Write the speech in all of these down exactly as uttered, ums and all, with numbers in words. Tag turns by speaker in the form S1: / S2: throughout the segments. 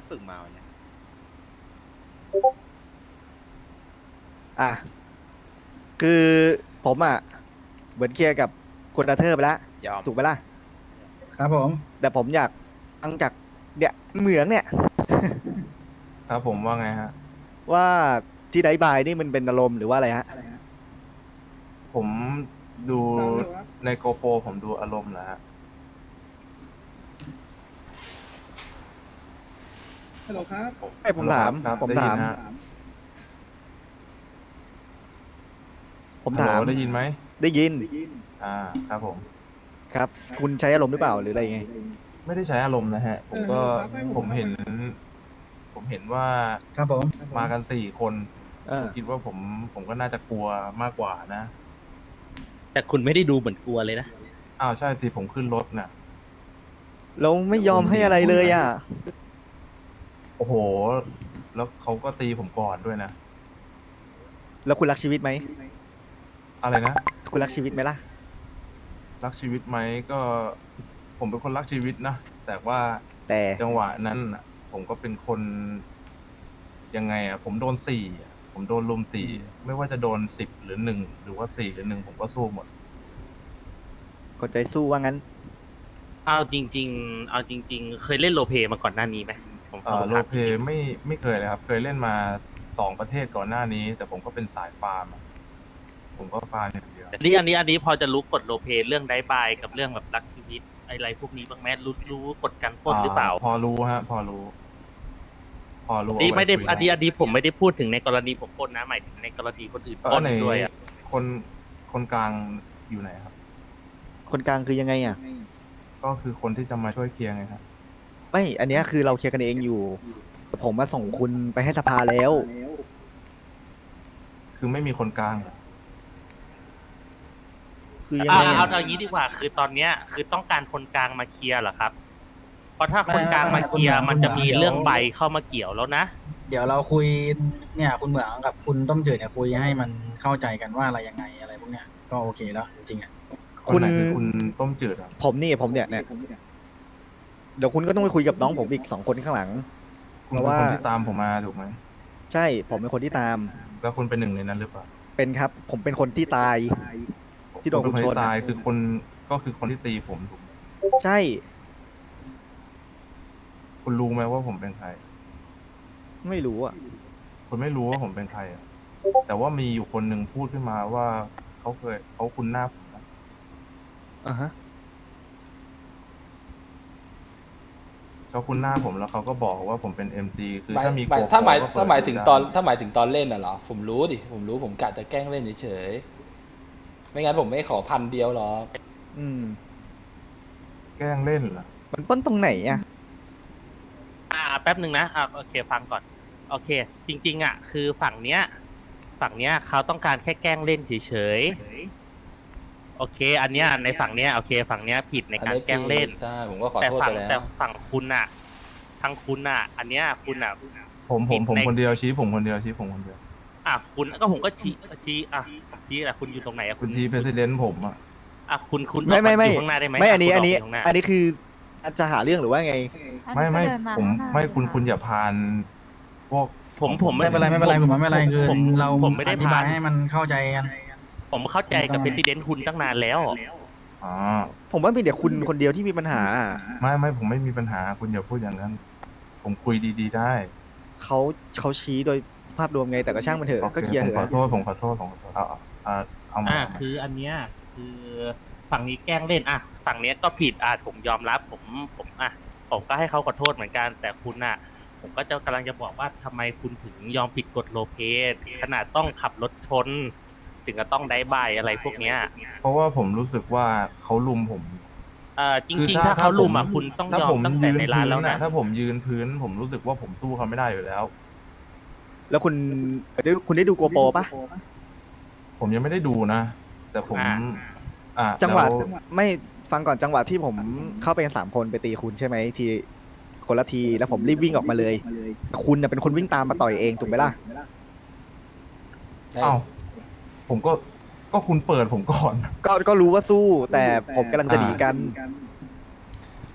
S1: ฝึกมาวันเนี่ย
S2: อ่ะคือผมอ่ะเหมือนเคลียร์กับคุณอาเธอร์ไปแล้ว
S1: ยอม
S2: ถูกไหมล่ะ
S3: ครับผม
S2: แต่ผมอยากฟังจากเนี่ยเหมืองเนี่ย
S4: ครับผมว่าไงฮะ
S2: ว่าที่ไดบายนี่มันเป็นอารมณ์หรือว่าอะไรฮะ
S4: ผมดูในโกโปรผมดูอารมณ์นะฮะ
S3: ฮัลโหลครับ
S2: ไอ้ผมถาม
S4: ครับ
S2: ผม
S4: ได้ยิ
S2: ถาม
S4: นฮะ
S2: ผมถาม
S4: ฮัลโหลได้ยินไหม
S2: ได้ยิน
S4: อ่าครับผม
S2: ครับ คุณใช้อารมณ์หรือเปล่าหรืออะไรไง
S4: ไม่ได้ใช้อารมณ์นะฮะ ผมก็
S3: เออครับ
S4: ผมเห็น ผมเห็นว่า
S3: ครับผม
S4: มากันสี่คน
S2: เออ
S4: ผมคิดว่าผมผมก็น่าจะกลัวมากกว่านะ
S1: แต่คุณไม่ได้ดูเหมือนกลัวเลยนะ
S4: อ้าวใช่ทีผมขึ้นรถน่ะ
S2: เราไม่ยอมให้อะไรเลยอ่ะ
S4: โอ้โห แล้วเขาก็ตีผมก่อนด้วยนะ
S2: แล้วคุณรักชีวิตไหม
S4: อะไรนะ
S2: คุณรักชีวิตไหมล่ะ
S4: รักชีวิตไหมก็ ผมเป็นคนรักชีวิตนะ แต่ว่า
S2: แต่
S4: จังหวะนั้นน่ะผมก็เป็นคนยังไงอ่ะ ผมโดนสี่อะผมโดนลุมสี่ไม่ว่าจะโดนสิบหรือหนึ่งหรือว่าสี่หรือหนึ่งผมก็สู้หมด
S2: คนใจสู้ว่างั้น
S1: เอาจริง ๆ เอาจริง ๆ เคยเล่นโรลเพลย์มาก่อนหน้านี้ไหมผมข
S4: เอ่
S1: อ
S4: อโร
S1: ถาม
S4: ลเพ
S1: จริง
S4: ไม่ไม่เคยเลยครับ เคยเล่นมาสองประเทศก่อนหน้านี้ แต่ผมก็เป็นสายฟาร์มอะผมก็ฟาร์มอย่างเดียว
S1: ๆอันนี้อันนี้อันนี้พอจะรู้กฎโรลเพลย์เรื่องไดบายกับเรื่องแบบรักชีวิตอะไรพวกนี้บ้างไหมรู้รู้กฎการปล้นหรือเปล่า
S4: พอรู้ฮะ พอรู้ พอรู้
S1: นี่
S4: เอาว้
S1: ไม่ได้
S4: คุย
S1: อันนี้อันนี้ผมไม่ได้พูดถึงในกรณีผมปล้นนะหมายถึงในกรณีคนอื่น
S4: เอ
S1: ปล้
S4: อน ไหน
S1: ด้วยอ่ะ
S4: คนคนกลางอยู่ไหนครับ
S2: คนกลางคือยังไงอ่ะ
S4: ก็คือคนที่จะมาช่วยเคลียร์ไงครับ
S2: ไม่ อันเนี้ยคือเราเคลียร์กันเองอยู่แต่ผมมาส่งคุณไปให้สภาแล้ว
S4: คือไม่มีคนกลางเหรอ
S2: คือยัง
S1: อ่า
S2: ไง
S1: เอา
S2: อะ
S1: เอาอย่างนี้ดีกว่า คือตอนเนี้ยคือต้องการคนกลางมาเคลียร์เหรอครับ เพราะถ้าคนกลางมาเคลียร์มันจะมีเรื่องใบเข้ามาเกี่ยวแล้วนะ
S3: เดี๋ยวเราคุยเนี่ยคุณเหมืองกับคุณต้มจืดเนี่ยคุยให้มันเข้าใจกันว่าอะไรยังไงอะไรพวกเนี้ยก็โอเคแล้วจริงๆอ่ะ
S4: คนไหนคือคุณต้มจืดอ่ะ
S2: ผมนี่ผมเนี่ยเนี่ยเดี๋ยวคุณก็ต้องไปคุยกับน้องผมอีกสองคนข้างหลัง
S4: คุณ
S2: เพราะ
S4: เป็น
S2: ว่า
S4: คนที่ตามผมมาถูกไหม
S2: ใช่ ผมเป็นคนที่ตาม
S4: แล้วคุณเป็นหนึ่งในนั้นหรือเปล่า
S2: เป็นครับ ผมเป็นคนที่ตาย ที่โดน
S4: คุณเป็นคน
S2: ชน
S4: ที่ตายคือคนก็คือคนที่ตีผมถูกไหม
S2: ใช่
S4: คุณรู้ไหมว่าผมเป็นใคร
S2: ไม่รู้อ่ะ
S4: คุณไม่รู้ว่าผมเป็นใครอ่ะ แต่ว่ามีอยู่คนหนึ่งพูดขึ้นมาว่าเขาเคยเขาคุ้นหน้าผมนะ
S2: อ่าฮะ
S4: เขาคุ้นหน้าผมแล้วเขาก็บอกว่าผมเป็นเอ็มซีคือ
S5: หมาย
S4: ถ้ามี
S5: หมาย
S4: โกโปร
S5: ถ้าหมาย
S4: ก็เปิด
S5: ถ้าหมายถึง
S4: ได้
S5: ตอนถ้าหมายถึงตอนเล่นน่ะเหรอผมรู้ดิผมรู้ผมกะจะแกล้งเล่นเฉยๆไม่งั้นผมไม่ขอพันเดียวหรอก
S2: อืม
S4: แกล้งเล่นเหรอ
S2: มันปล้นตรงไหนอ่ะ
S1: อ่าแป๊บหนึ่งนะอ่าโอเคฟังก่อน โอเค จริง ๆ อ่ะ คือฝั่งเนี้ย ฝั่งเนี้ยเขาต้องการแค่แกล้งเล่นเฉยๆโอเค อันเนี้ยในฝั่งเนี้ยโอเค ฝั่งเนี้ยผิดในการแกล้งเล่น
S5: ใช่ผมก็ขอ
S1: แต่
S5: โทษ
S1: ฝั่ง
S5: ไปแล้
S1: แต่
S5: ว
S1: ฝั่งคุณอ่ะทางคุณอ่ะ อันเนี้ยคุณอ่ะ
S4: ผมผมผม
S1: ใน
S4: คนเดียวชี้ผมคนเดียวชี้ผมคนเดียว
S1: อ่ะคุณก็ผมก็ชี้ชี้อ่ะชี้แหละคุณอยู่ตรงไหนอ่ะ
S4: คุณชี้เพรสิดเนนต์ผมอ่ะ
S1: อ่ะคุณคุณ
S2: ไม่ไม่ไม่
S1: อยู่ข้างหน้าได้ไหม
S2: ไม่อันนี้
S1: ะ
S2: อันนี้
S1: คุณกไปข้างหา
S2: อันนี้คือจะหาเรื่องหรือว่าไง
S4: ไม่ไม่
S6: เดินา
S4: ผม
S6: ข้างหน้า
S4: ไม่คุณ
S6: เลยะ
S4: คุณอย่าพานพวก
S1: ผมผม
S3: ไม่เป็นไรไม่เป็นไรผมว่าไม่เป็นไรคือ
S1: ผม
S3: เรา
S1: ผมไม่ได้
S3: อธิบาย
S1: พา
S3: ให้มันเข้าใจกัน
S1: ผมเข้าใจกับเพรสิดเนนต์คุณตั้งนานแล้ว
S4: อ๋อ
S2: ผมว่ามีแต่คุณคนเดียวที่มีปัญหา
S4: ไม่ไม่ผมไม่มีปัญหาคุณอย่าพูดอย่างนั้น ผมคุยดีๆได้
S2: เขาเขาชี้โดยภาพรวมไงแต่ก็ช่างมันเถอะ
S4: โอ
S2: ก็เคลียร์
S4: ผ
S2: เถ
S4: มขอ
S2: อะ
S4: โทษผมขอโทษผมขอโทษเอาเอาเอาเอามา
S1: อ่าคืออันเนี้ยคือฝั่งนี้แกล้งเล่นอ่ะฝั่งเนี้ยก็ผิดอ่ะผมยอมรับผมผมอ่ะผมก็ให้เขาขอโทษเหมือนกัน แต่คุณอ่ะ ผมก็จะกำลังจะบอกว่าทำไมคุณถึงยอมผิดกฎโลเพสขนาดต้องขับรถชน ถึงจะต้องได้ใบายอะไรพวกเนี้ย
S4: เพราะว่าผมรู้สึกว่าเขาลุมผม
S1: เอ่อจ
S4: คือ
S1: ริง ๆ ถ้าเขาลุมอ่ะคุณต้อง
S4: ถ้าย
S1: อม
S4: ผม
S1: ตั้งแต่
S4: ยืน
S1: ในร้าน
S4: พื้
S1: แล้ว
S4: น
S1: นะ
S4: นะถ้าผมยืนพื้น ผมรู้สึกว่าผมสู้เขาไม่ได้อยู่แล้ว
S2: แล้วคุณได้คุณได้ดูโกโปรปะ
S4: ผมยังไม่ได้ดูนะ แต่ผม
S1: อ่า
S4: อ่า
S2: จังหวะ
S4: แล้ว
S2: ไม่ฟังก่อนจังหวะที่ผมเข้าไปกันสามคนไปตีคุณใช่ไหมทีคนละทีแล้วผมรีบวิ่งออกมาเลยแต่คุณน่ะเป็นคนวิ่งตามมาต่อยเองถูกไหมล่ะ
S4: อ้าวผมก็ก็คุณเปิดผมก่อน
S2: ก็ก็รู้ว่าสู้แต่ผมกำลังจะหนีกัน
S4: แ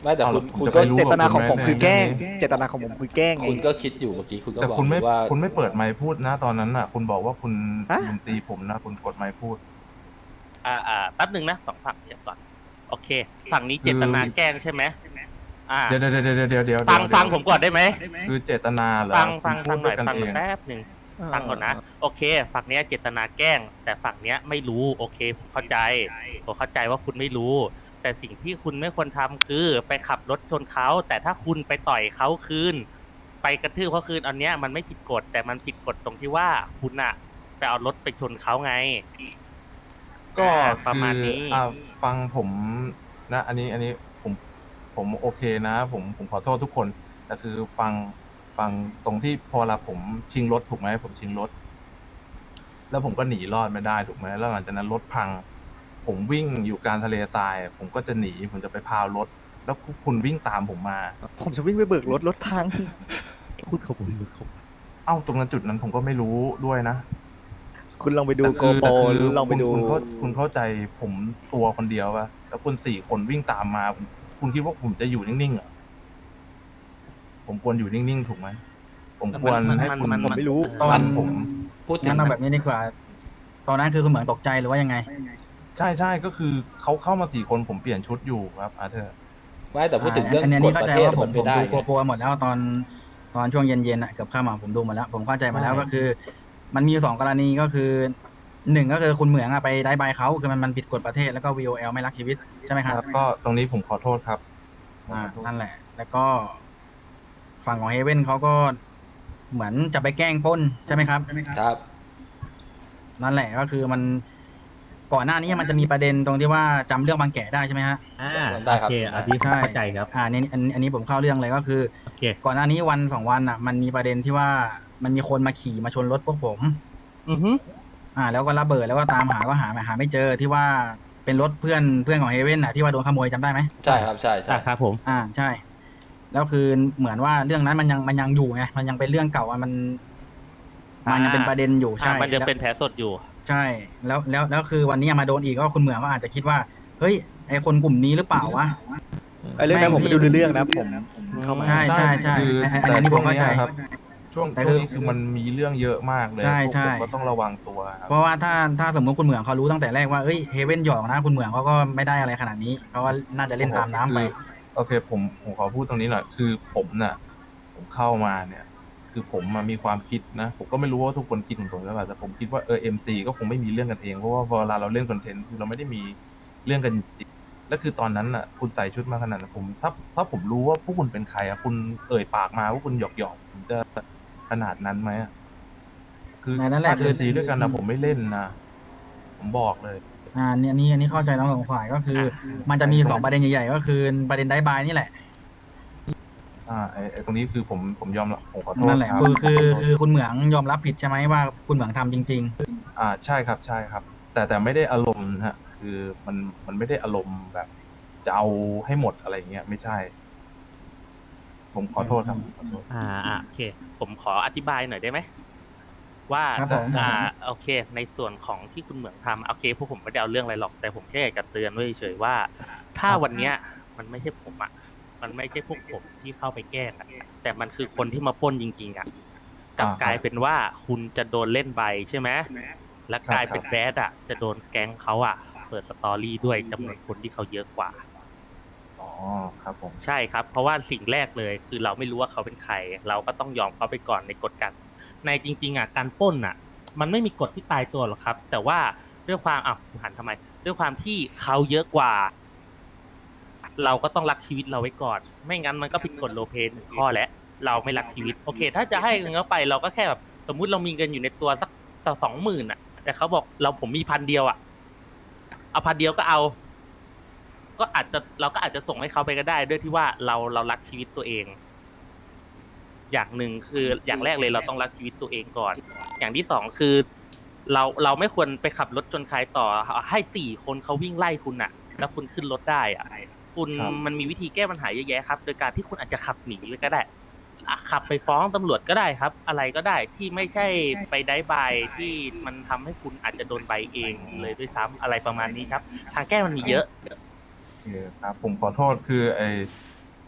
S5: ไม่แต่คุณ
S4: เอา
S5: คุณ
S4: จะ
S5: ก็
S4: ไปรู้
S2: เจตนาของผมคือแกล้ง
S4: เรื่องนี้
S2: เจตนาของผมคือแกล้งไง
S5: คุณก็คิดอยู่เมื่อกี้คุณก็
S4: แต่
S5: บอก
S4: คุณไม่
S5: ว่า
S4: คุณไม่เปิดไมค์พูดนะตอนนั้นน่ะ คุณบอกว่าคุณ
S2: ฮะ
S4: คุณตีผมนะ คุณกดไมค์พูด
S1: อ่าอ่าแป๊บหนึ่งนะสองฝั่งเดี๋ยวก่อนโอเค ฝั่งนี้เจตนาแกล้งใช่ไหมอ่า
S4: เดี๋ยวเดี๋ยวเดี๋ยวเดี๋ยวเดี๋ยว
S1: ฟัง
S4: เดี๋ยว
S1: ฟังผมก่อนได้ไหม
S4: คือเจตนาเหรอ
S1: ฟังฟัง
S4: คุณ
S1: ฟังหน่อย
S4: พูดด้วยกัน
S1: ฟัง
S4: เอง
S1: แป๊บหนึ่งฟังก่อนนะ โอเค ฝั่งเนี้ยเจตนาแกล้ง แต่ฝั่งเนี้ยไม่รู้ โอเคผมเข้าใจผมเข้าใจว่าคุณไม่รู้ แต่สิ่งที่คุณไม่ควรทำคือไปขับรถชนเขาแต่ถ้าคุณไปต่อยเขาคืน ไปกระทืบเขาคืนอันเนี้ยมันไม่ผิดกฎแต่มันผิดกฎตรงที่ว่าคุณอะไปเอารถไปชนเขาไง
S4: ก็
S1: อ่าประมาณ
S4: คือ
S1: นี้
S4: อ่าฟังผมนะ อันนี้อันนี้ผมผมโอเคนะ ผมผมขอโทษทุกคนแต่คือฟังฟังตรงที่พอเวลาผมชิงรถถูกไหมผมชิงรถ แล้วผมก็หนีรอดไม่ได้ถูกไหมแล้วหลังจากนั้นรถพัง ผมวิ่งอยู่กลางทะเลทราย ผมก็จะหนีผมจะไปพาวรถ แล้วคุณวิ่งตามผมมา
S2: ผมจะวิ่งไปเบิกรถรถพัง
S1: พูดเขาพูดเขา
S4: เอ้าตรงนั้นจุดนั้นผมก็ไม่รู้ด้วยนะ
S2: คุณลองไปดู
S4: แต่
S2: โก
S4: คือ
S2: โปร
S4: แต่คือ
S2: หรือลองไป
S4: คุณ
S2: ดู
S4: คุณเข้าคุณเข้าใจผมตัวคนเดียวป่ะแล้วคุณสี่คนวิ่งตามมา คุณคิดว่าผมจะอยู่นิ่งๆเหรอผมควรอยู่นิ่งๆถูกไหมผมควรให้คุณ
S2: ผมไม่รู้
S3: ตอน
S4: มันผม
S5: พูดถึ
S3: งั้
S5: ง
S3: นเอาแบบนี้ดีกว่า ตอนนั้นคือคุณเหมืองตกใจหรือว่ายังไง
S4: ใช่ใช่ก็คือเขาเข้ามาสี่คนผมเปลี่ยนชุดอยู่ครับอาเธอร์
S5: ไม่แต่พูดถึงเรื่อง
S3: อันนี้
S5: กฎ
S3: เข้า
S5: ประ
S3: ใจ
S5: เทศ
S3: ว่าผ
S5: มั
S3: ม
S5: น
S3: ผ
S5: ไม่
S3: ม
S5: ได้
S3: ดู
S5: ไง
S3: กลัวๆหมดแล้วตอนตอนช่วงเย็นๆอ่ะเกือบค่ำอ่ะผมดูหมาแล้ว ผมเข้าใจมาแล้วก็คือ มันมีสองกรณีก็คือหนึ่งก็คือคุณเหมืองอะไปได้ใบเขาคือมันมันผิดกฎประเทศแล้วก็ วี โอ แอล ไม่รักชีวิตใช่ไหมครับ
S4: ครับก็ตรงนี้ผมขอโทษครับ
S3: อ่านั่นแหละ แล้วก็ ฝั่งของเฮเว่นเขาก็เหมือนจะไปแกล้งปล้นใช่ไหมครับ
S5: ครับ
S3: นั่นแหละก็คือมันก่อนหน้านี้มันจะมีประเด็นตรงที่ว่าจำเรื่องบางแก่ได้ใช่ไหมฮะ
S1: อ่า
S5: ได้ครับ
S1: โอเคอันนี้ผมเข้าใจครับ
S3: อ่านี่อันอันนี้ผมเข้าเรื่องเลยก็คือ
S1: โอเค
S3: ก่อนหน้านี้วันสองวันอ่ะ มันมีประเด็นที่ว่ามันมีคนมาขี่มาชนรถพวกผม
S1: อือฮึ
S3: อ่า แล้วก็ระเบิดแล้วก็ตามหาก็หาหาไม่เจอที่ว่าเป็นรถเพื่อนเพื่อนของเฮเว่นอ่ะที่ว่าโดนขโมยจำได้ไหม
S5: ใช่ครับใช่ใช่
S1: อ่าครับผม
S3: อ่าใช่ แล้วคือเหมือนว่าเรื่องนั้นมันยังมันยังอยู่ไงมันยังเป็นเรื่องเก่าอ่ะมันมันยังเป็นประเด็นอยู่
S1: อ่า
S3: ใช่
S1: มันยัง
S3: แล้ว
S1: เป็นแผลสดอยู่
S3: ใช่แล้วแล้วแล้วคือวันนี้มาโดนอีกก็คุณเหมืองก็อาจจะคิดว่าเฮ้ยไอคนกลุ่มนี้หรือเปล่าวะ
S2: ไอ้เรื่องนั้นผมไม่ดูเรื่องนะผมเข้ามา
S3: ใช่ใช่ใช่
S4: คือ
S3: ไอ้ไอ้
S4: แต่
S3: อันนี้
S4: ช่
S3: ผ
S4: ว
S3: ม
S4: ง
S3: เข้า
S4: เนี้
S3: ใจ
S4: ยครับ ช่วง
S3: แต่
S4: ช่ว
S3: คื
S4: ง
S3: อ
S4: นี้คือมันมีเรื่องเยอะมากเลย
S3: ใช่
S4: พวก
S3: ใช่
S4: ผมก็ต้องระวังตัวครับ
S3: เพราะว่าถ้าถ้าสมมติคุณเหมืองเขารู้ตั้งแต่แรกว่าเอ้ยเฮเว่นหยอกนะคุณเหมืองเขาก็ไม่ได้อะไรขนาดนี้เขาก็น่าจะเล่นตามน้ำไป
S4: คือโอเคผมผมขอพูดตรงนี้หน่อยคือผมน่ะ ผมเข้ามาเนี่ย คือผมมามีความคิดนะ ผมก็ไม่รู้ว่าทุกคนคิดเหมือนผมหรือเปล่าแต่ผมคิดว่าเออเอ็มซีก็คงไม่มีเรื่องกันเองเพราะว่าเวลาเราเล่นคอนเทนต์คือเราไม่ได้มีเรื่องกันจริงแล้วคือตอนนั้นน่ะ คุณใส่ชุดมาขนาดนั้นผมถ้าถ้าผมรู้ว่าพวกคุณเป็นใครอ่ะคุณเอ่ยปากมาว่าคุณหยอกหยอกๆผมจะขนาดนั้นไหมอะคือ
S3: นั่นแหละ
S4: ถ้า
S3: คือ
S4: เอ็มซีด้วยกันนะผมไม่เล่นนะผมบอกเลย
S3: อ่าเนี่ยอันนี้อันนี้เข้าใจทั้งสองฝ่ายก็คือ มันจะมีสองประเด็นใหญ่ๆก็คือประเด็นได้บายนี่แหละ
S4: อ่าไอ้ไอ้ตรงนี้คือผมผมยอมรับผมขอโทษ
S3: นั่นแหละ
S4: ครับ
S3: คือคือคือคุณเหมืองยอมรับผิดใช่ไหมว่าคุณเหมืองทำจริง
S4: อ่าใช่ครับใช่ครับ แต่แต่ไม่ได้อารมณ์นะฮะ คือมันมันไม่ได้อารมณ์แบบจะเอาให้หมดอะไรเงี้ยไม่ใช่ ผมขอโทษครับขอโทษ
S1: อ่าอ่าโอเค ผมขออธิบายหน่อยได้ไหมว่า
S3: ครับผม
S1: อ่าโอเค ในส่วนของที่คุณเหมืองทำโอเคพวกผมไม่ได้เอาเรื่องอะไรหรอกแต่ผมแค่อยากจะเตือนไว้เฉยๆว่า ถ้าวันเนี้ย มันไม่ใช่ผมอ่ะมันไม่ใช่พวกผมที่เข้าไปแกล้งอะแต่มันคือคนที่มาปล้นจริงๆอ่ะกลับ
S4: อ่าครับ
S1: กลายเป็นว่าคุณจะโดนเล่นใบใช่ไหมและกลายเป็น
S4: ครับ
S1: แบดอ่ะจะโดนแก๊งเขาอ่ะเปิดสตอรี่ด้วยจำนวนคนที่เขาเยอะกว่า
S4: อ๋อครับผม
S1: ใช่ครับ เพราะว่าสิ่งแรกเลยคือเราไม่รู้ว่าเขาเป็นใคร เราก็ต้องยอมเขาไปก่อนในกฎการในจริงๆอ่ะการปล้นอ่ะ มันไม่มีกฎที่ตายตัวหรอกครับ แต่ว่าด้วยความอ้าวหันทำไม ด้วยความที่เขาเยอะกว่า เราก็ต้องรักชีวิตเราไว้ก่อน ไม่งั้นมันก็ผิดกฎโลเพนหนึ่งข้อแล้วเราไม่รักชีวิตโอเค ถ้าจะให้เงินเขาไปเราก็แค่แบบสมมุติเรามีเงินอยู่ในตัวสักสองหมื่นอ่ะ แต่เขาบอกเราผมมีพันเดียวอ่ะเอาพันเดียวก็เอา ก็อาจจะเราก็อาจจะส่งให้เขาไปก็ได้ด้วยที่ว่าเราเรารักชีวิตตัวเอง อย่างหนึ่งคืออย่างแรกเลยเราต้องรักชีวิตตัวเองก่อน อย่างที่สองคือ เราเราไม่ควรไปขับรถจนใครต่อให้สี่คนเขาวิ่งไล่คุณน่ะ แล้วคุณขึ้นรถได้อ่ะคุณมันมีวิธีแก้ปัญหาเยอะแยะครับ โดยการที่คุณอาจจะขับหนีไปก็ได้อ่ะขับไปฟ้องตำรวจก็ได้ครับ อะไรก็ได้ที่ไม่ใช่ไปได้ใบที่มันทำให้คุณอาจจะโดนใบเองเลยด้วยซ้ำอะไรประมาณนี้ครับ ทางแก้มันมีเยอะ
S4: โอเคครับ ผมขอโทษคือไอ้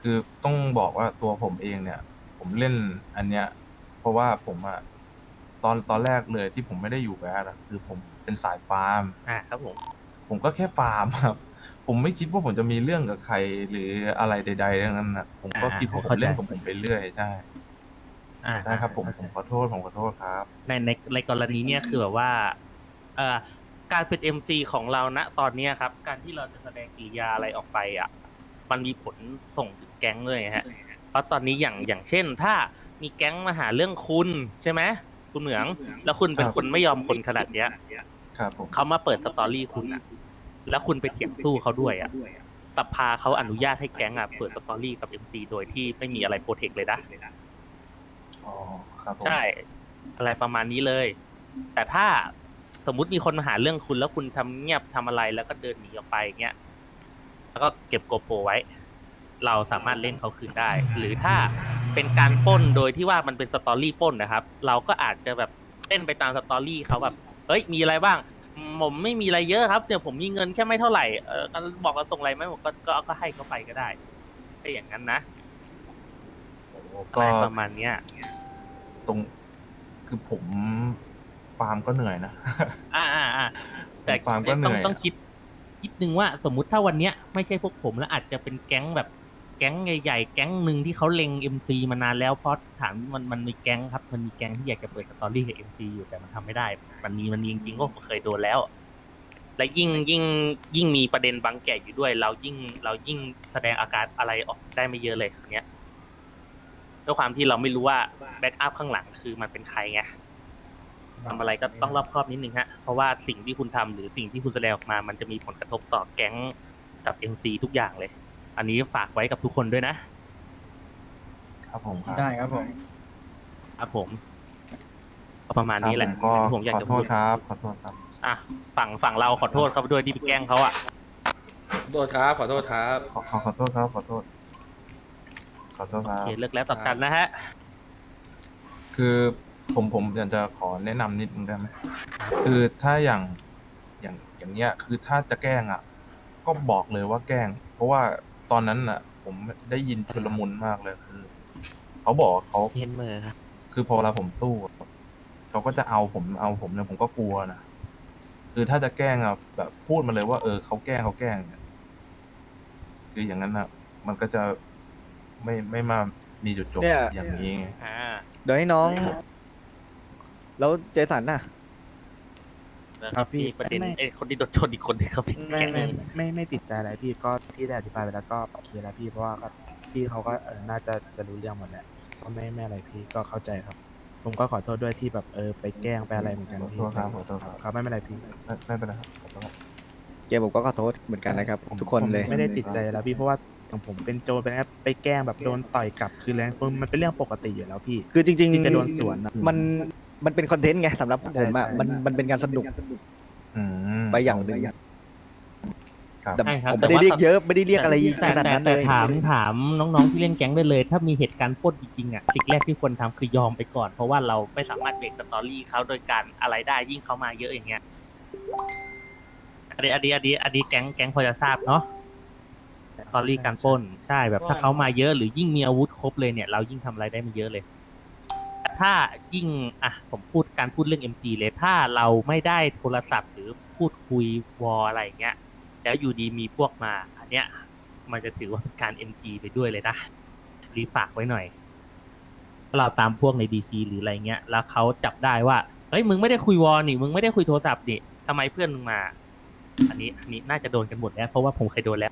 S4: คือต้องบอกว่าตัวผมเองเนี่ย ผมเล่นอันเนี้ย เพราะว่าผมอะตอนตอนแรกเลยที่ผมไม่ได้อยู่แบดอะคือผมเป็นสายฟาร์ม
S1: อ่าครับผม
S4: ผมก็แค่ฟาร์มครับ ผมไม่คิดว่าผมจะมีเรื่องกับใครหรืออะไรใดๆทั้งนั้นนะผมก็
S1: อ่า
S4: คิดว่าผม
S1: เข้าใจ
S4: เล่นของผมไปเรื่อยใช่
S1: อ่า
S4: ใช่ครับผม
S1: เข้าใจ
S4: ผมขอโทษผมขอโทษครับ
S1: ในในในกรณีเนี้ยคือแบบว่าเอ่อการเป็น เอ็ม ซี ของเราณตอนเนี้ยครับ การที่เราจะแสดงกิริยาอะไรออกไปอ่ะ มันมีผลส่งถึงแก๊งเลยฮะ เพราะตอนนี้อย่างอย่างเช่น ถ้ามีแก๊งมาหาเรื่องคุณใช่ไหมคุณเหมือง แล้วคุณเป็น
S4: ครับ
S1: คนไม่ยอมคนขนาดเนี้ย
S4: ครับผม
S1: เขามาเปิดสตอรี่คุณอ่ะ แล้วคุณไปเถียงสู้เขาด้วยอ่ะสภาเขาอนุญาตให้แก๊งอ่ะเปิดสตอรี่กับ เอ็ม ซี โดยที่ไม่มีอะไรโปรเทคเลยนะ
S4: อ๋อครับผม
S1: ใช่ อะไรประมาณนี้เลย แต่ถ้าสมมุติมีคนมาหาเรื่องคุณแล้วคุณทำเงียบทำอะไรแล้วก็เดินหนีออกไปเงี้ย แล้วก็เก็บโกโปรไว้ เราสามารถเล่นเขาคืนได้ หรือถ้าเป็นการปล้นโดยที่ว่ามันเป็นสตอรี่ปล้นนะครับ เราก็อาจจะแบบเล่นไปตามสตอรี่เขาแบบ เอ้ย มีอะไรบ้าง ผมไม่มีอะไรเยอะครับ เดี๋ยวผมมีเงินแค่ไม่เท่าไหร่ เออบอกว่าส่งอะไรไหมผมก็ก็ก็ให้เขาไปก็ได้ไอ้อย่างนั้นนะ
S4: โอ้
S1: อะ
S4: ก็
S1: ไรประมาณเนี้ย
S4: ตรงคือผมฟาร์มก็เหนื่อยนะ
S1: อ่าอ่าอ่าแต่
S4: ฟาร์มก็เหนื่
S1: ต้อง
S4: อย
S1: ต้องคิดคิดนึงว่าสมมุติถ้าวันเนี้ยไม่ใช่พวกผมแล้วอาจจะเป็นแก๊งแบบแก๊งใหญ่ๆแก๊งหนึ่งที่เขาเล็ง เอ็ม ซี มานานแล้วเพราะฐานมันมันมีแก๊งครับมันมีแก๊งที่อยากจะเปิดสตอรี่กับ เอ็ม ซี อยู่แต่มันทำไม่ได้ มันมีมันมีจริงๆก็ผมเคยโดนแล้ว และยิ่งยิ่งยิ่งมีประเด็นบางแก่อยู่ด้วย เรายิ่งเรายิ่งแสดงอาการอะไรออกได้ไม่เยอะเลยครั้งเนี้ยด้วยความที่เราไม่รู้ว่าแบ็กอัพข้างหลังคือมันเป็นใครไง ทำอะไรก็ต้องรอบคอบนิดนึงฮะ เพราะว่าสิ่งที่คุณทำหรือสิ่งที่คุณแสดงออกมา มันจะมีผลกระทบต่อแก๊งกับ เอ็ม ซี ทุกอย่างเลย อันนี้ฝากไว้กับทุกคนด้วยนะ
S4: ครับผมครับ
S3: ได้ครับผม
S1: ครับผมก็ประมาณนี้แหละ
S4: ครับผมก็
S1: ผมอยาก
S4: ขอ
S1: จะ
S4: โท
S1: พู
S4: ษ
S1: ด
S4: ครับ ขอโทษครับ
S1: อ่ะฝั่งฝั่งเราขอโทษเขาด้วยที่ไปแกล้งเขาอ่ะ
S5: ขอโทษครับ ขอโทษครับ
S4: ขอขอขอโทษครับ ขอโทษ ขอโทษค
S1: โอ
S4: รับ
S1: เคเลิกแล้วต่อกันนะฮะ
S4: คือผมผมอยากจะขอแนะนำนิดนึงได้ไหมคือถ้าอย่างอย่างอย่างเนี้ย คือถ้าจะแกล้งอ่ะ ก็บอกเลยว่าแกล้ง เพราะว่าตอนนั้นอ่ะ ผมได้ยินชุลมุนมากเลยคือเขาบอกว่าเขา
S1: เห็นมือครับ
S4: คือพอเวลาผมสู้อะเขาก็จะเอาผมเอาผมเนี่ยผมก็กลัวนะคือถ้าจะแกล้งอ่ะแบบพูดมาเลยว่าเออเขาแกล้งเขาแกล้งเนี่ยคืออย่างนั้นอ่ะ มันก็จะไม่ไม่มามีจุดจบ
S2: เนี่ย
S4: อย่างนี้ไง
S1: อ่า
S2: เดี๋ยวให้น้อง แล้วเจสันน่ะ
S1: แล้ว
S6: ครับพี่
S1: มีประเด็น
S6: ไม่
S1: ไอ้คนที่โดนชนอีกคนที่เขาเป็น
S6: ไม่
S1: แก๊ง
S6: ไม่
S1: นึง
S6: ไม่ไม่ติดใจอะไรพี่ก็พี่ได้อธิบายไปแล้วก็โอเคแล้วพี่เพราะว่าก็พี่เขาก็เออน่าจะจะรู้เรื่องหมดแหละก็ไม่ไม่อะไรพี่ก็เข้าใจครับ ผมก็ขอโทษด้วยที่แบบเออไปแกล้งไปอะไรเหมือนกัน
S4: ขอ
S6: พี่
S4: โทษครับขอโทษครับ
S6: ครับไม่เป็นไรพี่
S4: ไม่ไม่เป็นไรครับขอโทษครับ
S2: เกมผมก็ขอโทษเหมือนกันนะครับ ทุกคนเลย
S6: ผมไม่ได้ติดใจแล้วพี่เพราะว่าอย่างผมเป็นโจรไปนะครับไปแกล้งแบบโดนต่อยกลับคือแรงมันเป็นเรื่องปกติอยู่แล้วพี่
S2: คือจริง
S6: ที่จะโดนสวนอะ
S2: มันมันเป็นคอนเทนต์ไงสำหรับผมอ่ะ
S6: ใช่ใช่
S2: มันมันเป็นการสนุก
S4: อืม
S2: ไปอย่างหนึ่ง
S4: ครับ
S2: แต่
S1: ใช่ครับ
S2: ผมไม่ได้
S1: แต่ว่า
S2: เรียกเยอะไม่ได้เรียกอะไร
S1: แต่
S2: ขนาด
S1: แต่
S2: นั้นเล
S1: แต่
S2: ย
S1: ถามถามน้องๆที่เล่นแก๊งได้เลย ถ้ามีเหตุการณ์ปล้นจริงๆอ่ะสิ่งแรกที่ควรทำคือยอมไปก่อน เพราะว่าเราไม่สามารถเบรกสตอรี่เขาโดยการอะไรได้ยิ่งเขามาเยอะอย่างเงี้ยอันนี้อันนี้อันนี้อันนี้แก๊งแก๊งพอจะทราบเนาะสตอรี่การปล้นใช่แบบถ้าเขามาเยอะหรือยิ่งมีอาวุธครบเลยเนี่ยเรายิ่งทำอะไรได้ไม่เยอะเลย ถ้ายิ่งอ่ะผมพูดการพูดเรื่อง เอ็ม จี เลยถ้าเราไม่ได้โทรศัพท์หรือพูดคุยวอลอะไรอย่างเงี้ยแล้วอยู่ดีมีพวกมา อันเนี้ยมันจะถือว่าเป็นการ เอ็ม จี ไปด้วยเลยนะรีฝากไว้หน่อยถ้าเราตามพวกใน ดี ซี หรืออะไรเงี้ยแล้วเขาจับได้ว่าเฮ้ยมึงไม่ได้คุยวอลนี่มึงไม่ได้คุยโทรศัพท์นี่ทำไมเพื่อนมึงมา อันนี้อันนี้น่าจะโดนกันหมดแล้วเพราะว่าผมเคยโดนแล้ว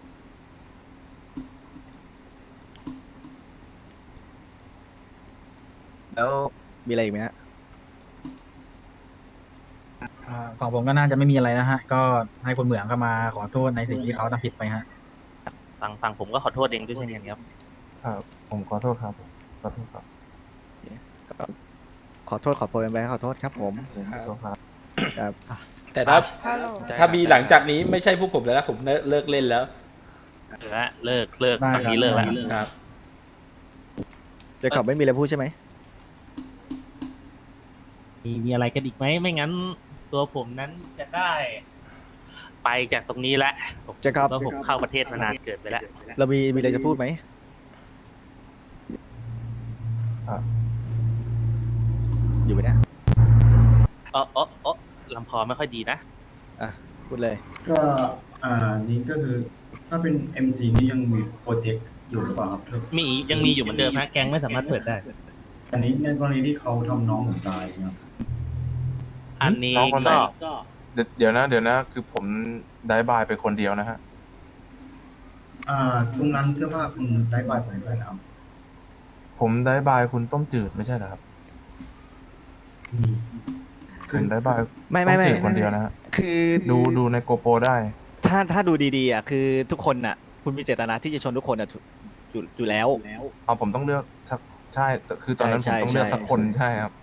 S2: แล้วมีอะไรอีกไหมฮะ
S3: อ่าฝั่งผมก็น่าจะไม่มีอะไรนะฮะ ก็ให้คุณเหมืองเข้ามาขอโทษในสิ่งที่เขาทำผิดไปฮะ
S1: ฝั่งฝั่งผมก็ขอโทษเองด้วยเช่นกันครับ
S4: ครับผมขอโทษครับผมขอโทษครับ
S2: ขอโทษขอโพยไปขอโทษครับผม
S4: ผมขอโทษครับ
S2: ครับ
S5: แต่ถ้าถ้ามีหลังจากนี้ไม่ใช่พวกผมแล้วนะผมเลิกเลิกเล่นแล้ว
S1: เลิกละเลิกเลิก
S3: ได้
S1: ตอนนี้
S3: ครับ
S1: เลิกแล้ว
S5: ครับ
S2: เจะขอบไม่มีอะไรพูดใช่ไหม
S1: มีมีอะไรกันอีกไหมไม่งั้น ตัวผมนั้นจะได้ ไปจากตรงนี้แล้วผม
S2: เจะครับ
S1: ก็ผมเข้าประเทศมานานเกินไปแล้ว
S2: เรามีมีอะไรจะพูดไหมอยู่ไหมเนี่ย
S1: เออเออเออลำคอไม่ค่อยดีนะ
S2: อ่ะพูดเลย
S7: ก็อ่านี่ก็คือถ้าเป็น เอ็ม ซี นี่ยังมีโปรเจกต์อยู่หรือเปล่าครับ
S1: มียังมีอยู่เหมือนเดิมนะแก๊งไม่สามารถเปิดได้
S7: อันนี้ในกรณีที่เขาทำน้องผมตายครับ
S1: อันนี้
S4: น้องคนไหน
S1: ก็
S4: เดี๋ยวเดี๋ยวนะเดี๋ยวนะ คือผมได้บายไปคนเดียวนะฮะ
S7: อ่าตรงนั้นเสื้อผ้าคุณได้บายผมด้วยนะครับ
S4: ผมได้บายคุณต้มจืดไม่ใช่เหรอครับ
S7: อืม
S4: ผมได้บาย
S2: ไม่ไม่ไม่
S4: ต้จืดคนเดียวนะฮะ
S2: คือ
S4: ดูดูในโกโปรได้
S2: ถ้าถ้าดูดีๆอ่ะคือทุกคนอ่ะ คุณมีเจตนาที่จะชนทุกคนอ่ะถูกอยู่อยู่แล้ว
S4: เอาผมต้องเลือกสักใช่แต่คือตอนนั้นผ
S2: ใช่
S4: มต้องเลือก
S2: ใช่
S4: สักคนใช่ครับ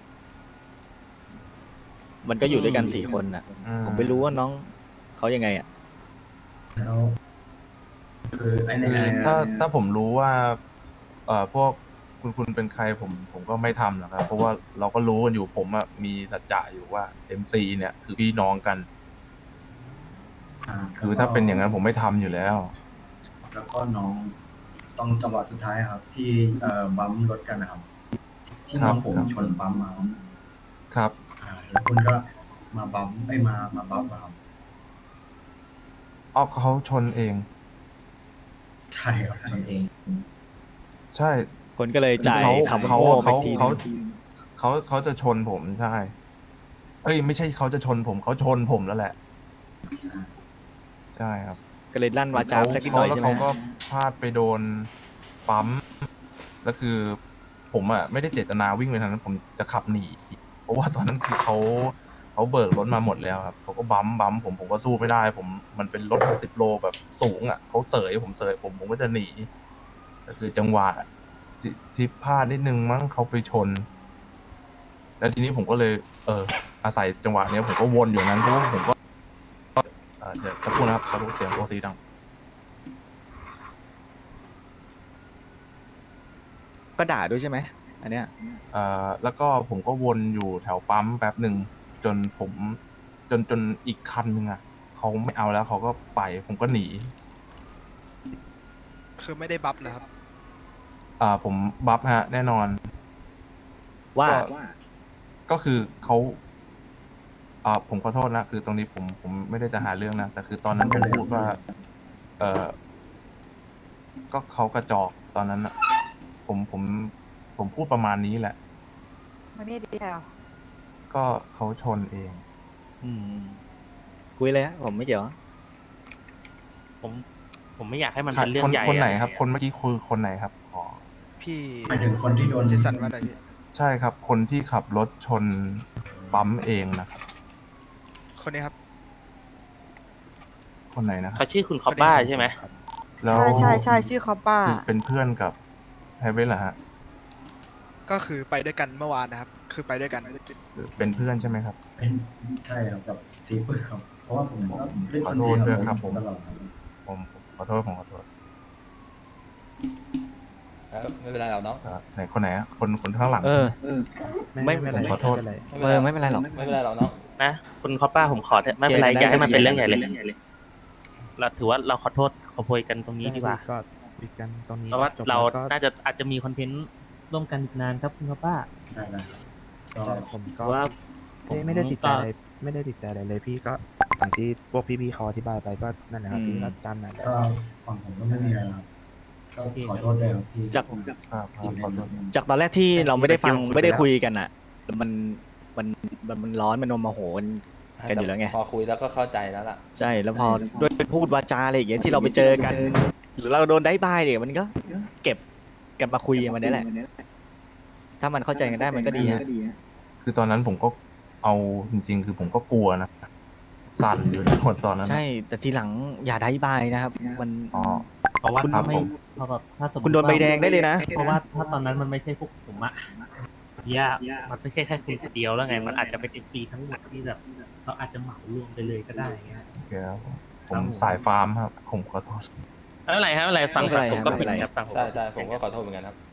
S2: มันก็อยู่ด้วยกันสี่คนอ่ะ
S4: อื
S2: ผมไม่รู้ว่าน้องเขายังไงอ่ะ
S7: แล้วคือไอ้ใน
S4: คือถ้าถ้าผมรู้ว่า เอ่อพวกคุณคุณเป็นใครผมผมก็ไม่ทำหรอกครับ เพราะว่าเราก็รู้กันอยู่ผมอะมีสัจจะอยู่ว่า เอ็ม ซี เนี่ยคือพี่น้องกัน
S7: า
S4: คือถ้าเป็นอย่างนั้นผมไม่ทำอยู่แล้ว
S7: แล้วก็น้องต้องจังหวะสุดท้ายครับ ที่เอ่อบัมป์รถกันนะครับ ที่น้องผม
S4: ครับ
S7: ชนปั๊มมาครับ
S4: ครับ
S7: อ่าแล้วคุณก็มาบัมป์ไม่มามาบัฟอะครับ
S4: เอาเขาชนเอง
S7: ใช่ครับชนเอง
S4: ใช่
S2: คนก็เลยจ่าย
S4: เขา
S2: คำ
S4: เขา
S2: โง่ไป
S4: เขา
S2: ทีนึ
S4: เขา
S2: ง
S4: เขาเขาจะชนผมใช่ เอ้ยไม่ใช่เขาจะชนผมเขาชนผมแล้วแหละ ใช่ครับ
S2: ก็เลยลั่นวาจา
S4: เขา
S2: สักนิดห
S4: เขา
S2: น่อย
S4: แล้ว
S2: ใช่ไหม
S4: เขาก็พลาดไปโดนปั๊มแล้วคือ ผมอ่ะไม่ได้เจตนาวิ่งไปทางนั้น ผมจะขับหนีเพราะว่าตอนนั้นคือเขาเขาเบิกรถมาหมดแล้วครับเขาก็บัมป์บัมป์ผมผมก็สู้ไม่ได้ ผมมันเป็นรถหกสิบโลแบบสูงอ่ะเขาเสยผมเสยผมผมก็จะหนีก็คือจังหวะที่ที่พลาดนิดนึงมั้งเขาไปชน แล้วทีนี้ผมก็เลย เออ อาศัยจังหวะเนี้ยผมก็วนอยู่นั้นเพราะว่าผมก็เอ่อเดี๋ยวสักครู่นะครับขอดูเสียงโอซีดัง
S2: ก็ด่าด้วยใช่ไหมอันเนี้ย
S4: เอ่อแล้วก็ผมก็วนอยู่แถวปั๊มแป๊บหนึ่งจนผมจนจนอีกคันหนึ่งอ่ะเขาไม่เอาแล้วเขาก็ไปผมก็หนี
S8: คือไม่ได้บัฟเหรอครับ
S4: อ่าผมบัฟฮะ แน่นอน
S2: ว่า
S4: ก็ก็คือเขาอ่าผมขอโทษนะคือตรงนี้ผมผมไม่ได้จะหาเรื่องนะแต่คือตอนนั้นผมพูดว่า เออก็เขากระจอกตอนนั้นอ่ะ ผมผมผมพูดประมาณนี้แหละ
S9: มันไม่ดีแล้ว
S4: ก็เขาชนเอง
S2: อืมคุยเลยฮะผมไม่เกี่ยว
S1: ผมผมไม่อยากให้มัน
S4: ใคร
S1: เป็นเรื่อ
S4: ค
S1: ง
S4: น
S1: ใหญ่
S4: คนไหน
S1: อะ
S4: ครับ คนเมื่อกี้คือคนไหนครับอ๋อ
S8: พี่
S7: หมายถึงคนที่โดน
S8: เจสันว่าอะไรพี่
S4: ใช่ครับ คนที่ขับรถชนปั๊มเองนะครับ
S8: คนนี้ครับ
S4: คนไหนนะครับ
S1: เขาชื่อคุณคอบบ้าใช่ไหม
S4: แล้ว
S9: ใช่ใช่ใช่ชื่อคอปป้า
S4: คือเป็นเพื่อนกับไฮเวสเหรอฮะ
S8: ก็คือไปด้วยกันเมื่อวานนะครับ คือไปด้วยกัน
S4: หรือเป็นเพื่อนใช่ไหมครับ
S7: เป็นใช่ครับกับซีเปอร์ครับ เพราะว่าผมก็เล่น
S4: ข
S7: ค
S4: อ
S7: อน
S4: โท
S7: เท
S4: ษ
S7: นต์
S4: ด้วย
S7: ข
S4: ครั
S7: อบ ง
S4: ผม
S7: ตลอดครับ
S4: ผมผมขอโทษผมขอโทษ
S5: ครับไม่เป็นไรหรอกน้อง
S4: ครับไหนคนไหนอะคนคนข้างหลัง
S2: เออ ไม่
S7: ไม่เป็นไร
S4: ขอโทษ
S7: ไม่เป็นไร
S2: เออไม่เป็นไรหรอก
S5: ไม่เป็นไรหรอกน้อง
S1: นะคุณคอบบ้าผมขอเถอะไม่เป็นไร
S2: เคลียร์กันได้
S1: อย่าให้มันเป็นเรื่องใหญ่เลย
S2: เคลียร์กันได้
S1: เราถือว่าเราขอโทษขอโพยกันตรงนี้ดีกว่า
S6: ก็คุยกันตรงนี้
S1: เพราะว่า
S6: จบ
S1: เรา
S6: แล้วก็
S1: น่าจะอาจจะมีคอนเทนต์ร่วมกันอีกนานครับคุณคอบบ้า
S7: ได้ได้ก็
S6: แต่ผมก็
S1: เพราะว่าผม
S6: ไม่ไม่ได้ติดใจ
S1: ก็
S6: อะไรไม่ได้ติดใจอะไรเลยพี่ก็อย่างที่พวกพี่ๆเขาอธิบายไปก็นั่นแหละครับ
S2: อืม
S6: พี่ก็ตามนั้นแหละ
S7: ก็ฝั่งผมก็ไม่มีอะไรแล้วครับก็ขอโทษด้วยครับที่
S2: จาก
S4: ครับครับขอโทษ
S2: จากตอนแรกที่เราไม่ได้ฟัง
S7: คุยไปแล้ว
S2: ไม่ได้คุยกันอ่ะ มันมันมันมันร้อนมันโมโหกันกันอยู่แล้วไง
S5: พอคุยแล้วก็เข้าใจแล้วล่ะ
S2: ใช่แล้วพอด้วยพูดวาจาอะไรอย่างเงี้ยที่เราไปเจอกัน หรือเราโดนได้บายเนี่ยมันก็เก็บเก็บมาคุยกันวันนี้แหละ ถ้ามันเข้าใจกันได้มันก็ดีฮะ
S4: คือตอนนั้นผมก็เอาจริง ๆ คือผมก็กลัวนะสั่นอยู่ในหมดตอนนั้น
S2: ใช่แต่ทีหลังอย่าได้บายนะครับ มัน
S4: อ๋อ
S1: เพราะว่า
S4: ครับ
S1: ไม่
S4: ผม
S1: เพราะว่าถ้าสมมติ
S2: คุณโดนใบแดงได้เลยนะ
S1: เพราะว่าถ้าตอนนั้นมันไม่ใช่พวกผมอะย่ามันไม่ใช่แค่คุณคนเดียวแล้วไง มันอาจจะเป็นเอ็มปีทั้งหมดที่แบบเราอาจจะเหมารวมไปเลยก็ได้เงี้ย
S4: โอเคครับผมสายฟาร์มครับ ผมขอโทษ
S1: ไม่เป็นไรครับไม่เป็นไรฟัง
S2: ไม่เป็นไร
S1: ผมก็
S2: ไม่
S1: ผิ
S2: เป็
S1: ด
S2: นไร
S1: ครับฟังผม
S5: ใช่ใช่ผมก็ขอโทษเหมือนกันครับ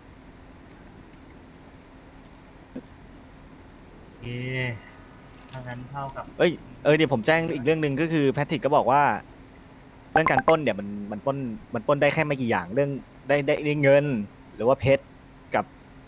S1: โอเคถ้างั้นเท่ากับ
S2: เอ้ยเออเดี๋ยวผมแจ้งอีกเรื่องหนึ่งก็คือแพทริกก็บอกว่า เรื่องการปล้นเนี่ยมันมันปล้นมันปล้นได้แค่ไม่กี่อย่างเรื่องได้ได้ได้เงิน หรือว่าเพชรกับ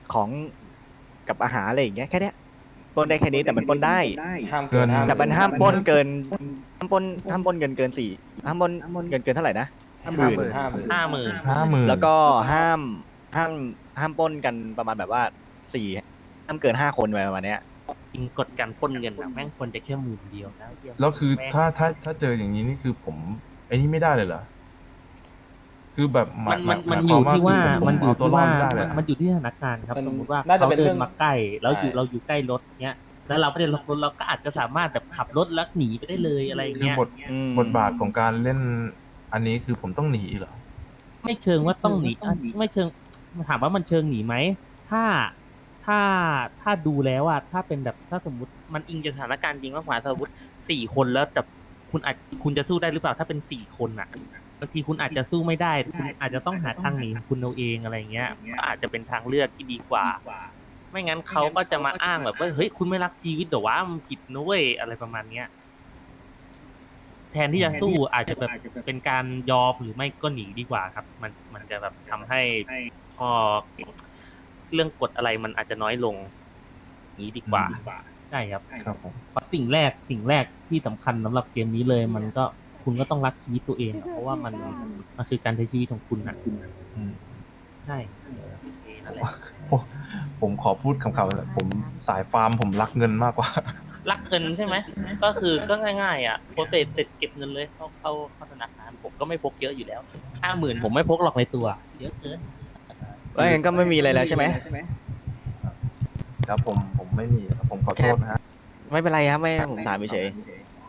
S2: ของกับอาหารอะไรอย่างเงี้ยแค่เนี้ยปล้นได้แค่นี้แต่มันปล้นได้
S5: ห้ามเกินห้า
S2: แต่มันห้ามปล้นเกินห้ามปล้นห้ามปล้นเกินเกินสี่ห้ามปล้นเกินเกินเท่าไหร่นะ
S5: ห้าหมื่นห้าหมื่น
S1: ห้าหมื่น
S4: ห้าหมื่น
S2: แล้วก็ห้ามห้ามห้ามปล้นกันประมาณแบบว่าสี่ห้ามเกินห้าคนไปประมาณเนี้ย
S1: จริงกฎการปล้นเงินอะแม่งควรจะแค่หมื่นเดียวนะเหี้ย
S4: แล้วคือ
S1: ม่ง
S4: ถ้าถ้าถ้าเจออย่างนี้นี่คือผมไอ้นี่ไม่ได้เลยเหรอคือแบบห
S1: มันมัน
S4: ห
S1: มัน
S4: ห
S1: อยู่ที่ว่า
S4: คือผ
S1: มันอยู่
S4: เตัว
S1: ที่
S4: รอ
S1: ว่า
S4: ดไม่ได้เลย
S1: มันอยู่ที่สถานการณ์ครับ
S5: มัน
S1: สมมติว่า
S5: น่าจะ
S1: เขา
S5: เป็น
S1: เดิ
S5: เรื่อน ง
S1: มาใกล้แล้วอยู่
S5: ใช่
S1: เราอยู่ใกล้รถเนี้ย แล้วเราไม่ได้ล็อกรถเราก็อาจจะสามารถแบบขับรถแล้วหนีไปได้เลยอะไรอย่าง
S4: คือ
S1: เงี้ย
S4: บท
S2: อืม
S4: บทบาทของการเล่นอันนี้คือผมต้องหนีเหรอ
S1: ไม่เชิงว่าต้องหนีอ่ะไม่เชิงถามว่ามันเชิงหนีไหมถ้าถ้าถ้าดูแล้วอะถ้าเป็นแบบถ้าสมมติมันอิงจากสถานการณ์จริงมากกว่าสมมติสี่คนแล้วแต่คุณอาจคุณจะสู้ได้หรือเปล่าถ้าเป็นสี่คนอะบางทีคุณอาจจะสู้ไม่ได้คุณอาจจะต้องหาทางหนีของคุณเอาเองอะไรเงี้ยก็อาจจะเป็นทางเลือกที่ดีกว่า ไม่งั้นเขาก็จะมาอ้างแบบว่าเฮ้ยคุณไม่รักชีวิตเดี๋ยวว่ามันผิดนะเว้ยอะไรประมาณเนี้ยแทนที่จะสู้อาจจะแบบเป็นการยอมหรือไม่ก็หนีดีกว่าครับ มันมันจะแบบทำให้พอเรื่องกฎอะไรมันอาจจะน้อยลงนี้ดีกว่าใช่ครับ
S4: ครับผม
S1: เพราะสิ่งแรกสิ่งแรกที่สำคัญสำหรับเกมนี้เลย มันก็คุณก็ต้องรักชีวิตตัวเองอะเพราะว่ามันมันคือการใช้ชีวิตของคุณนะ
S4: อืม
S1: ใช่นั่นแหละ
S4: ผมผมขอพูดคำๆเลยผมสายฟาร์มผมรักเงินมากกว่า
S1: รักเงินใช่ไหม ก็คือก็ง่ายๆอ่ะโปรเซสเสร็จเก็บเงินเลยเข้าเข้าเข้าธนาคารผมก็ไม่พกเยอะอยู่แล้วห้าหมื่นผมไม่พกหรอกในตัว เยอะเกิน
S2: แล้วงั้นก็ไม่มีอะไรแล้วใช่ไหม
S4: ครับผมผมไม่มีครับผมขอโทษนะฮะ
S2: ไม่เป็นไรครับไม่ผมถามเฉย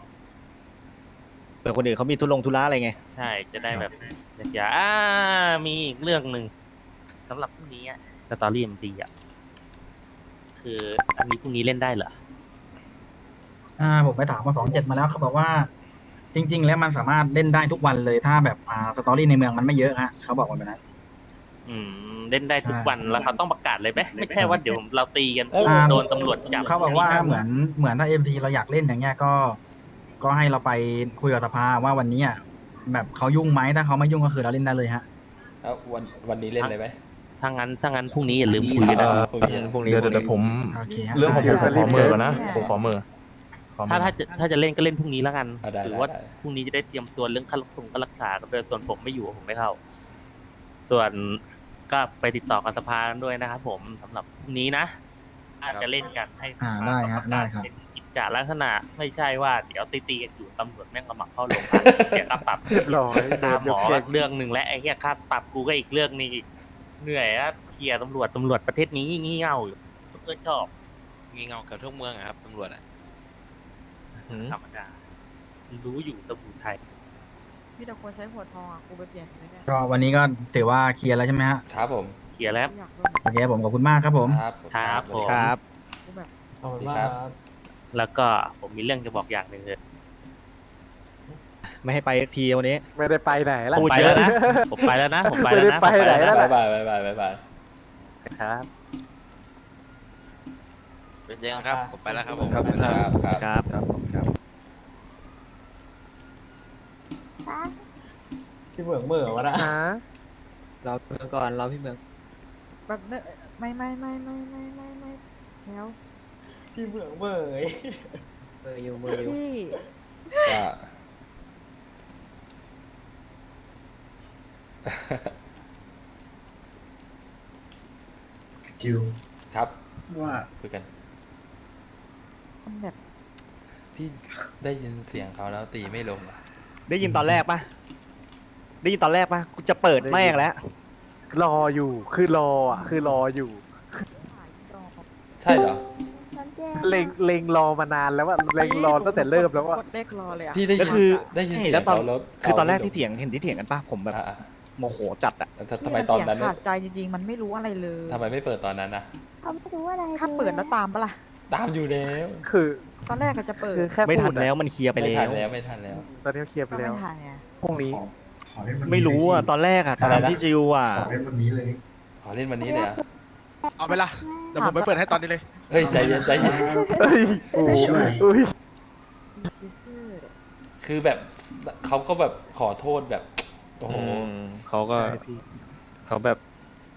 S2: เผื่อคนอื่นเขามีทุลงทุระอะไรไง
S1: ใช่จะได้แบบอย่าอ่ามีอีกเรื่องหนึ่งสำหรับพรุ่งนี้อ่ะสตอรี่เอ็มซีอ่ะคืออันนี้พรุ่งนี้เล่นได้เหรอ
S3: อ่าผมไปถามมาสองเจ็ดมาแล้วเขาบอกว่า จริง ๆ แล้วมันสามารถเล่นได้ทุกวันเลยถ้าแบบอ่าสตอรี่ในเมืองมันไม่เยอะฮะเขาบอกว่าแบบนั้น
S1: อืมเล่นได้ทุกวันแล้วเขาต้องประกาศเลยไหมไม่ใช่ว่าเดี๋ยวเราตีกัน
S5: เอ้ย
S1: โดนตำรวจจับ
S3: เขาบอกว่าเหมือนเหมือนถ้าเอ็มทีเราอยากเล่นอย่างเงี้ยก็ ก็ให้เราไปคุยกับสภาว่าวันนี้อ่ะแบบเขายุ่งไหมถ้าเขาไม่ยุ่งก็คือเราเล่นได้เลยฮะ
S5: แล้ววันวันนี้เล่นเลยไหม
S1: ถ้างั้นถ้างั้นพรุ่งนี้อย่าลืมคุยกันนะ
S5: เออพรุ่งนี้
S2: พรุ่งนี้
S4: เดี๋ยวเดี๋ยวเดี๋ยวผม
S3: โอเคฮะ
S4: เรื่องของผมผมขอเมอร์ก่อนนะผมขอเมอร์ขอเมอ
S1: ถ้า
S4: ร์
S1: ถ้าจะถ้าจะเล่นก็เล่นพรุ่งนี้แล้วกัน
S5: อ่ะได้
S1: หรือ
S5: ได้
S1: ว่า
S5: ได้
S1: พรุ่งนี้จะได้เตรียมตัวเรื่องค่ารักษาค่ารักษาก็เลยส่วนผมไม่อยู่ผมไม่เข้า ส่วนก็ไปติดต่อกับสภากันด้วยนะครับผมสำหรับพรุ่งนี้นะอาจจะเล่นกันให้
S3: อ่าได้ครับได้ครับ
S1: เป็นกิจจาลักษณะไม่ใช่ว่าเดี๋ยวตีตีๆกันอยู่ตำรวจแม่งกระหมักเข้าโรงพักเสียค่าปรับ
S6: เรียบร้อย
S1: ตามหมอเรื่องหนึ่งและไอ้เหี้ยค่าปรับกูก็อีกเรื่องหนึงอีกเหนื่อยอะเคลียร์ตำรวจตำรวจประเทศนี้งี่เง่าอยู่เพื่อชอบ
S10: งี่เง่ากับทุกเมืองอะครับตำรวจอะ
S1: ธรรมดารู้อยู่ตำรวจไทย
S9: พี่แต่ควรใช้หัวทองอ่ะกูไปเปลี่ยนไม่ได้
S3: ก็วันนี้ก็ถือว่าเคลียร์แล้วใช่ไหมฮะ
S5: ครับผม
S1: เคลียร์แล้ว
S9: อยากโดน
S3: โอเคผมขอบคุณมากครับผม
S5: ครับ
S1: ครับผม
S2: ครับ
S9: กูแบบ
S5: สวัสดีครับ
S1: แล้วก็ผมมีเรื่องจะบอกอย่างหนึ่งเลย
S2: ไม่ให้ไปสักทีวันนี้
S6: ไม่ได้ไปไหนละ
S2: พูด
S1: ไป
S2: เย
S1: แล้
S2: อะ
S1: วนะ
S2: นะ
S1: ผมไปแล้วนะผมไป
S6: ไม่
S1: แล้ว
S6: ได้
S1: นะ
S6: ไป
S1: ผม
S6: ไหน
S1: แล้ว
S6: แล้ว
S1: นะ
S5: บายบายบายบายบายบาย
S6: ครับ
S10: เป็นยังไงครับผมไปแล้วครับผม
S5: ครับครับครับ
S2: ครับ
S11: พี่เหมืองเหมื่อวะนะ
S6: ฮะ
S11: เราเมืองก่อนเราพี่เหมือง
S9: แบบเนอะไม่ไม่ไม่ไม่ไม่ไม่ไม่แล้ว
S11: พี่เหมืองเหมื่อเมืออยู่มืออยู่
S9: พี่
S5: ก็
S7: จิว
S5: ครับ
S7: ว่า
S5: คุยกัน
S9: มันแบบ
S5: พี่ได้ยินเสียงเขาแล้วตีไม่ลงเหรอ
S2: ได้ยินตอนแรกปะได้ยินตอนแรกปะกูจะเปิดแม่งแล้ว
S6: รออยู่คือรออ่ะคือรออยู่
S5: ใช่เหรอ
S6: เล็งเล็งรอมานานแล้วว่าเล็งรอตั้งแต่เริ่มแล้วว่าก
S9: ดเลขรอเลยอ่ะ
S5: พี่ได้
S2: ก็
S5: ยิน
S2: คือ
S5: ได้ยินเสียง
S2: แล้วตอน
S5: เขาแล้ว
S2: คือตอนแรก
S5: เาไม่ลง
S2: ที่เถียงเห็นที่เถียงกันปะผมแบบ
S5: อ่ะอ่ะ
S2: โมโหจัดอะ
S5: แล้วทำไมตอนนั้น
S9: เสียงขาดใจจริงๆ มันไม่รู้อะไรเลย
S5: ทำไมไม่เปิดตอนนั้นนะ
S9: เขาไม่รู้อะไรถ้าเปิดแล้วตามปะล่ะ
S5: ตามอยู่แล้ว
S6: คือ
S9: ตอนแรกก็จะเปิด
S6: คือแค่
S2: ไม่ทั
S6: พู
S2: น
S6: ด
S2: แล้ว
S6: อะ
S2: มันเคลียร์ไป
S5: ไม่
S2: แล้
S5: ทัน
S2: ว
S5: แล้วไม่ทันแล้ว
S6: ตอนนี้เคลียร์ไป
S9: ก็
S6: แล้ว
S9: ไม่ทันไง
S6: พรุ่งนี้
S7: ขอขอเล่นวันนี้
S2: ไม่รู้อะตอนแรกอะตามพี่จิวอะ
S7: ขอเล่นวันนี้เลย
S5: ขอเล่นวันนี้เลยเหรอ่ะ
S8: เอาไปละเดี๋ยวผมไปเปิดให้ตอนนี้เลย
S5: เฮ้ยใจเย็นใจเย็น
S6: เฮ้ยโอ้โหอุ้ย
S9: ซื่อๆเลย
S5: คือแบบเขาก็แบบขอโทษแบบโอ้โห
S11: เขาก็
S6: ใช่พี่
S11: เขาแบบ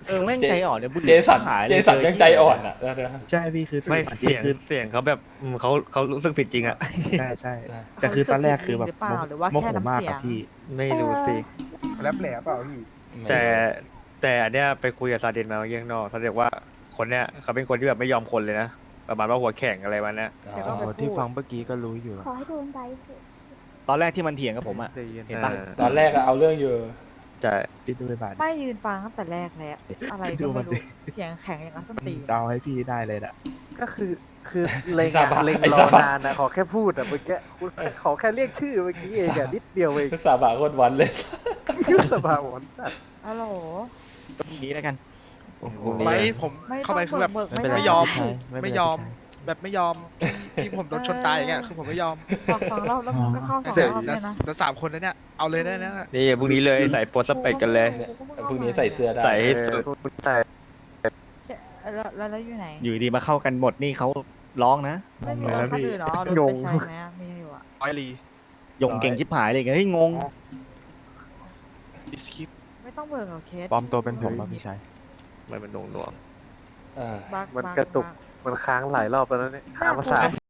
S2: เออแม่งใจอ่อนเนี่ยบุหรี่
S5: เจสัน
S2: หายลย
S5: เจสันยังใจอ่อนอ่ะเดี๋ยว
S6: ใช่พี่คือ
S12: ไม่
S6: อัน
S12: เสี
S6: ที่
S12: ยง
S6: คือ
S12: เสียงเขาแบบอืมเขาเขารู้สึกผิดจริงอะ
S6: ใช่ใช่แต่คือตอนแรกคือแบบ
S9: หรือเปล่าหรือว่า
S6: โม
S9: แค่
S6: โห
S9: น้ำ
S6: มาก
S9: เสีย
S6: อะ
S9: ง
S6: พี่
S12: ไม่รู้สิ
S11: แรปแหลเปล่าพี่
S5: ๆ
S12: แต่แต่อันเนี้ยไปคุยกับซาดินมาเมื่อกี้ข้างนอกซาดินบอกว่าคนเนี้ยเขาเป็นคนที่แบบไม่ยอมคนเลยนะประมาณว่าหัวแข็งอะไรวันเนี้ย
S5: อ๋
S9: เดี๋ยวก็
S5: อ
S9: ไปพูด
S6: ที่ฟังเมื่อกี้ก็รู้อยู่
S9: ขอให้โดนใบเถอะ
S2: ตอนแรกที่มันเถียงกับผมอะเห็นปะ
S12: เออ
S5: ตอนแรกอะเอาเรื่องอยู่
S12: ใช่
S6: พี่ดูไปบาท
S9: ไม่ยืนฟังตั้งแต่แรกแล้วอะไร
S6: ดู
S9: ก็
S6: มั
S9: ไม่
S6: น
S9: รู้
S6: ดิ
S9: เสียงแข็งอย่างนั้นส้นตีน
S6: จะเอาให้พี่ได้เลยนะ
S11: ก็คือคือเล็ง
S5: ไอ้ซาบะ
S11: อะเล็ง
S5: ไอ้
S11: ร
S5: ซา
S11: อบ
S5: ะ
S11: นานนะขอแค่พูดอะเมื่อกี้คุณขอแค่เรียกชื่อเมื่อกี้เองอะนิดเดียวเอง
S5: สาบะโคตรวันเลย
S11: ชื่อสภาหวนสัตว์
S9: ฮัลโหล
S2: ตรงนี้แล้วกัน
S8: ไม่ผม
S9: ไม่
S8: เข้าไป
S9: ต้อง
S8: คือแบบ
S9: เบิก
S6: ไม่เป็นไร
S8: ไม่ยอม
S6: พี่ชายไม่เป็นไร
S8: ไม่ยอม
S6: พี่ชาย
S8: แบบไม่ยอมที่ที่ผมโดนชนตายอย่างเงี้ยคือผมไม่ยอม
S9: ฝากฟังรอบแล้วมึงก็เข้าสอง
S8: เสร็จ
S9: รอบ
S8: แล้
S9: เล
S8: วย
S9: นะ
S8: แล้วสามคนนั้นเนี่ยเอาเลยได้นะ
S12: นี่พรุ่งนี้เลยใส่โปสสเปกกันเลย
S5: พรุ่งนี้ใส่เสื้อได้
S12: ใส่ให้
S11: เอ
S12: สุ
S11: อ
S12: ด
S11: คุณแต่
S9: แล้วแล้วแล้วอยู่ไหน
S2: อยู่ดีมาเข้ากันหมดนี่เขาร้องนะ
S9: ไม่มี
S6: งง
S9: ร
S6: แล้
S9: ถ
S6: ว
S9: คัน
S6: พี่
S9: อื่นเหรอรถไปใช้ไหมอะมีอยู่อะ
S8: ร้อยลี
S2: ยงเก่งชิบหายเลยเฮ้ยงง
S8: ดิสคิป
S9: ไม่ต้องเบิกหรอกเคส
S6: ปลอมตัวเป็นผมป่ะพี่ชาย
S12: ไม่เป็นหน่วงหน่วง
S5: เออ
S9: บัก
S11: มัน
S9: บั
S11: กระตุก
S9: บั
S11: มันค้างหลายรอบแล้วนะเนี่ยค้างมาสาม